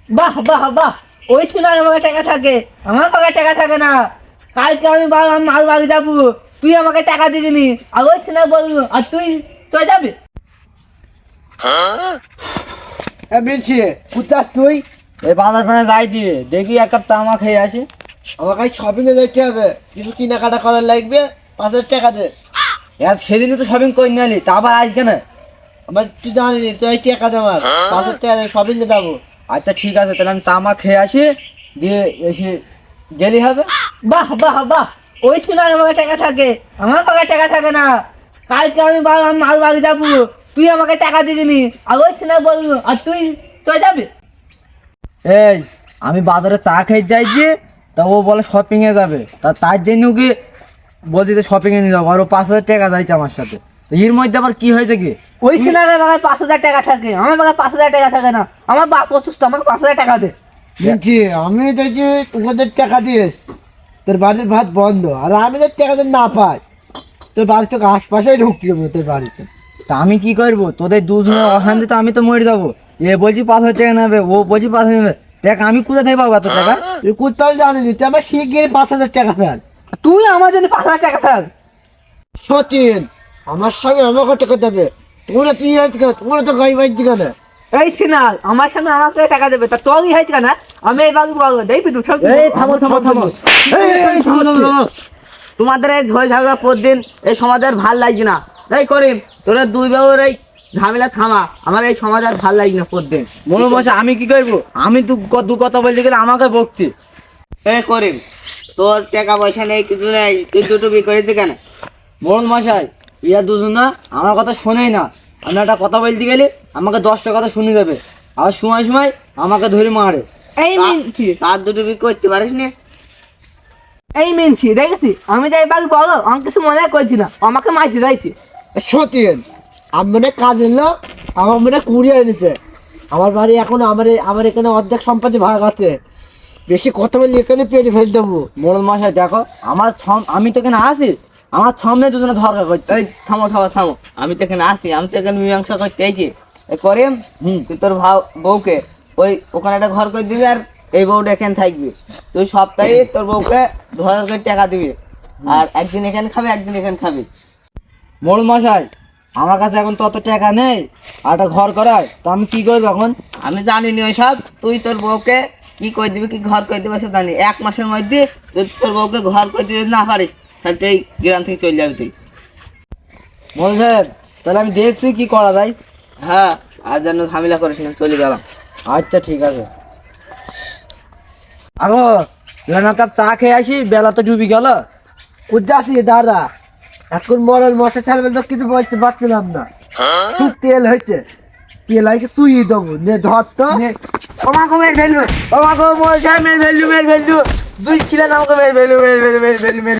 বাহ বাহ বাহ, ওই সিনার আমাকে টাকা থাকে, আমার পাকে টাকা থাকে না। কালকে আমি মাল বাগে যাবো, তুই আমাকে টাকা দিবি, আর ওই সিনা বলবো, আর তুই যাবি। মিলছি কোথাস তুই? এই বাজার খানে যাইছি, দেখি এক কাপ তামা খেয়ে আসি। আমার কাছে শপিং এ যেতে হবে, কিছু কেনাকাটা করার লাগবে, 5,000 টাকা দে। সেদিনই তো শপিং করে নিলি, তা আবার আজকে না? আমার তুই জানিনি, তুই টাকা দে, আমার 5,000 টাকা দে, শপিং এ যাবো। আচ্ছা ঠিক আছে, তাহলে আমি তামা খেয়ে আসি, দিয়ে এসে গেলি হবে। বাহ বাহ বাহ, ওই সিনার আমাকে টাকা থাকে, আমার পাকে টাকা থাকে না। কালকে আমি মাল বাগে যাবো, তুই আমাকে টাকা দিবি, আর ওই সিনা বলবো, আর তুই যাবি। এই আমি বাজারে চা খেয়ে যাইছি, তা ও বলে শপিং এ যাবে, তার জন্য ওকে বলছি যে শপিং এ নিয়ে যাবো, আর ও 5,000 টাকা যাইছে আমার সাথে। তো এর মধ্যে আবার কি হয়েছে কি? ওই সিনার পাকে 5,000 টাকা থাকে, আমার পাকে 5,000 টাকা থাকে না। আমার বাপ অসুস্থ, আমাকে 5,000 টাকা দে। মিলছি আমি দেখছি তোদের টাকা দিস, তোর বাড়ির ভাত বন্ধ, আর আমি যদি টাকা দিতে না পাই, তোর বাড়ি থেকে আশপাশেই ঢুকতে হবে তোর বাড়িতে। তা আমি কি করবো? তোদের দুজনের অশান্তি তো আমি তো মরে যাবো। এ বলছি 5,000 টাকা নেবে, ও বলছি 5,000 নেবে, টাকা আমি কোথা থেকে পাবো এত টাকা? তুই কোথাও জানিনি, তুই আমার শিগগির 5,000 টাকা ফেল। তুই আমার জন্য 5,000 টাকা ফেল। সচিন, আমার সঙ্গে আমাকে টাকা দেবে, তোমরা তুই হয়েছে কেন, তোমরা তো গাই বাইছি কেন? এই সিনাল আমার সামনে আমাকে টাকা দেবে, তা তোরই হয়েছে কেন? আমি এই বাবু বলবো, দেখবি তুই সব। এই থামো থামো থামো, এই থামো থামো থামো। তোমাদের এই ঝয় ঝগড়া প্রতিদিন এই সমাজের ভাল লাগছে না। এই করিম, তোরা দুই বাবুর এই ঝামেলা থামা, আমার এই সমাজ আর ভাল লাগছে না প্রতিদিন। মনে মশা আমি কি করবো? আমি তো দু কথা বলতে গেলে আমাকে বকছি। এ করিম, তোর টাকা পয়সা নেই, কিছু নেই, তুই দুটো বিয়ে করেছি কেন? মোড়ল মশাই, ইয়া দুজন না আমার কথা শোনেই না। আমি একটা কথা বলতে গেলে আমাকে 10টা কথা শুনে দেবে, আর সময় সময় আমাকে ধরে মারে। এই মিনছি, তার দুটো বিয়ে করতে পারিস নি? এই মিনছি দেখেছি, আমি যাই বাবু বলো, আমি কিছু মনে করছি না, আমাকে মারছি যাইছি। সতীন, আমি মনে কাজের লোক, আমার মনে কুড়িয়ে এনেছে। আমার বাড়ি এখন আমার এখানে অর্ধেক সম্পত্তি ভাগ আছে, বেশি কথা বলি এখানে পেটে ফেল দেবো। মোড়ল মশাই দেখো, আমি তো এখানে আসি, আমার সামনে দুজনে ধরকা করছে। এই থামো থামো থামো, আমি তো এখানে আসি, আমি তো এখানে মীমাংসা করতে এসেছি। এ করিম, তুই তোর বউকে ওখানে একটা ঘর করে দিবি, আর এই বউটা এখানে থাকবি। তুই সপ্তাহে তোর বউকে 2,000 করে টাকা দিবি, আর একদিন এখানে খাবি, একদিন এখানে খাবি। মোড়ল মশাই, আমার কাছে এখন তো অত টাকা নেই, আর একটা ঘর করায়, তো আমি কি করবো এখন? আমি জানি নি ওইসব, তুই তোর বউকে কি করে দিবি, কি ঘর করে দিবি সে জানি। 1 মাসের মধ্যে যদি তোর বউকে ঘর করে দিতে না পারিস, তাহলে তুই গ্রাম থেকে চলে যাবি তুই। মোড়ল সাহেব, তাহলে আমি দেখছি কি করা যায়। হ্যাঁ, আর যেন ঝামেলা করিস না, চলে গেলাম। আচ্ছা ঠিক আছে। আগো এক কাপ চা খেয়ে আসি, বেলা তো ডুবি গেল। উজ্জাসি দাদা, এখন মরল মশা ছাড়বে তো কিছু বলতে পারছিলাম না, খুব তেল হয়েছে, তেল আইকে শুয়ে দেবো, নে ধর তো। আমাকে মেরে ফেলবে, আমাকে বলছে মেরে ফেললু, দুই ছিলেন আমাকে মেরে ফেললু।